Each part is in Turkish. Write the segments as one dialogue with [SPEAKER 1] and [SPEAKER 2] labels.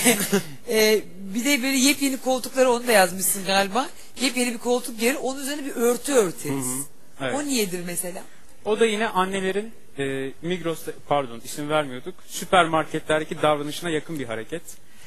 [SPEAKER 1] Bir de böyle yepyeni koltukları, onu da yazmışsın galiba. Yepyeni bir koltuk gelir, onun üzerine bir örtü örteriz.
[SPEAKER 2] Evet.
[SPEAKER 1] O niyedir mesela?
[SPEAKER 2] O da yine annelerin Migros'ta, pardon isim vermiyorduk, süpermarketlerdeki davranışına yakın bir hareket.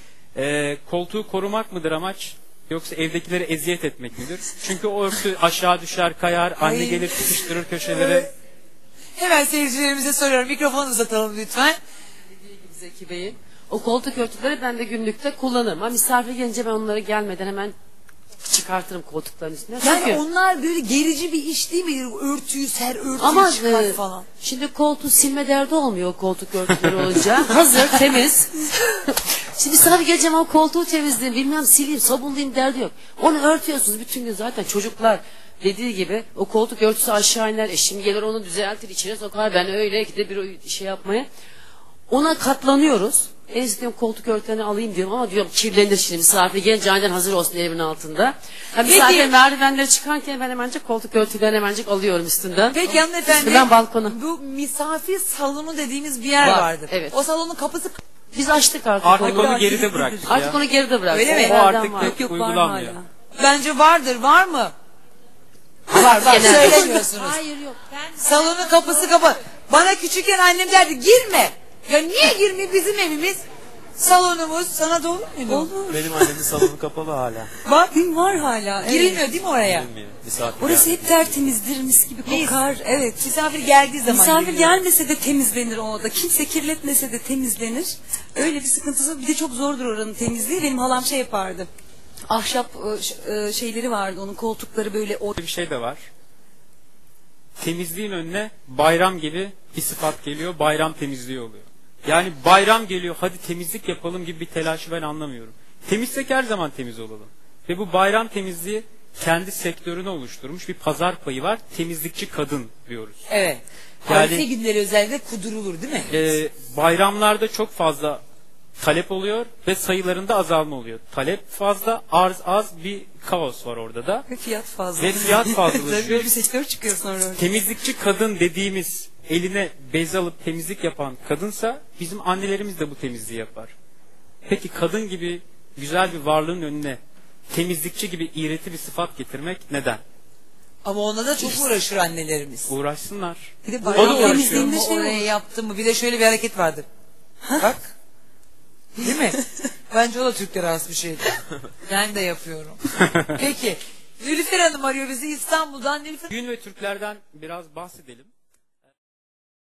[SPEAKER 2] Koltuğu korumak mıdır amaç, yoksa evdekilere eziyet etmek midir? Çünkü o örtü aşağı düşer, kayar, anne gelir sıkıştırır köşelere.
[SPEAKER 1] Hemen seyircilerimize soruyorum, mikrofonu uzatalım lütfen.
[SPEAKER 3] Dediği gibi Zeki Bey'in, o koltuk örtüleri ben de günlükte kullanırım. Ama misafir gelince ben onları gelmeden hemen çıkartırım koltukların üstüne.
[SPEAKER 1] Yani
[SPEAKER 3] Çünkü
[SPEAKER 1] onlar böyle gerici bir iş değil mi? Örtüyü ser, örtüyü
[SPEAKER 3] ama
[SPEAKER 1] çıkar falan.
[SPEAKER 3] şimdi koltuğu silme derdi olmuyor o koltuk örtüleri olunca. Hazır, temiz. Şimdi misafir geleceğim ama koltuğu temizleyeyim, bilmem sileyim, sabunlayayım derdi yok. Onu örtüyorsunuz bütün gün zaten. Çocuklar dediği gibi o koltuk örtüsü aşağı iner. Eşim gelir onu düzeltir, içine sokar. Ben öyle gidip bir şey yapmaya. Ona katlanıyoruz. En istiyorum koltuk örtülerini alayım diyorum ama diyorum kirlenir şimdi, misafir gelince aynen hazır olsun elimin altında. Yani misafir merdivenleri çıkarken ben hemencik koltuk örtülerini hemencik alıyorum üstünden.
[SPEAKER 1] Peki hanımefendi,
[SPEAKER 3] ben balkona.
[SPEAKER 1] bu misafir salonu dediğimiz bir yer vardır.
[SPEAKER 3] Evet.
[SPEAKER 1] O salonun kapısı...
[SPEAKER 3] Biz açtık artık,
[SPEAKER 2] Artık onu geride bıraktık
[SPEAKER 3] Artık
[SPEAKER 2] ya.
[SPEAKER 3] onu geride bıraktık.
[SPEAKER 1] Öyle mi?
[SPEAKER 2] O artık
[SPEAKER 3] var.
[SPEAKER 2] pek uygulanmıyor.
[SPEAKER 1] Bence vardır, var mı? Var,
[SPEAKER 3] Genelde.
[SPEAKER 1] söylemiyorsunuz.
[SPEAKER 3] Hayır yok.
[SPEAKER 1] Salonun kapısı kapalı. Bana küçükken annem derdi, girme. Ya niye girme, bizim evimiz? Salonumuz, sana da olur muydu?
[SPEAKER 4] Olur. Benim annemin salonu kapalı hala.
[SPEAKER 1] Bak,
[SPEAKER 5] Var hala. Evet.
[SPEAKER 1] girilmiyor değil mi oraya?
[SPEAKER 4] Bilmiyor. Misafir
[SPEAKER 5] Orası
[SPEAKER 4] geldi.
[SPEAKER 5] hep tertemizdir, mis gibi kokar. Evet.
[SPEAKER 1] Misafir geldiği zaman
[SPEAKER 5] Misafir
[SPEAKER 1] giriliyor.
[SPEAKER 5] gelmese de temizlenir o oda. Kimse kirletmese de temizlenir. Öyle bir sıkıntısı. Bir de çok zordur oranın temizliği. Benim halam şey yapardı. Ahşap şeyleri vardı, onun koltukları böyle
[SPEAKER 2] Bir şey de var. Temizliğin önüne bayram gibi bir sıfat geliyor. Bayram temizliği oluyor. Yani bayram geliyor, hadi temizlik yapalım gibi bir telaşı ben anlamıyorum. Temizsek her zaman temiz olalım. Ve bu bayram temizliği kendi sektörünü oluşturmuş bir pazar payı var. Temizlikçi kadın diyoruz.
[SPEAKER 1] Evet.
[SPEAKER 2] Yani-
[SPEAKER 1] Harife günleri özellikle kudurulur değil mi?
[SPEAKER 2] Bayramlarda çok fazla talep oluyor ve sayılarında azalma oluyor. Talep fazla, arz az, bir kaos var orada da.
[SPEAKER 5] ve fiyat fazla.
[SPEAKER 2] Ve fiyat
[SPEAKER 5] Tabii
[SPEAKER 2] fazlalaşıyor.
[SPEAKER 5] böyle bir sektör çıkıyor sonra.
[SPEAKER 2] Temizlikçi kadın dediğimiz, eline bez alıp temizlik yapan kadınsa bizim annelerimiz de bu temizliği yapar. Peki kadın gibi güzel bir varlığın önüne temizlikçi gibi iğreti bir sıfat getirmek neden?
[SPEAKER 1] Ama ona da çok uğraşır annelerimiz.
[SPEAKER 2] Uğraşsınlar.
[SPEAKER 5] Bir de
[SPEAKER 2] O da
[SPEAKER 5] bayram
[SPEAKER 2] uğraşıyor.
[SPEAKER 5] temizliğinde şey
[SPEAKER 1] Oraya
[SPEAKER 5] olur.
[SPEAKER 1] yaptım mı? Bir de şöyle bir hareket vardır. Bak. Değil mi? Bence o da Türklere has bir şeydir. Ben de yapıyorum. Peki. Nilüfer Hanım arıyor bizi İstanbul'dan. Nilüfer...
[SPEAKER 2] Gün ve Türklerden biraz bahsedelim.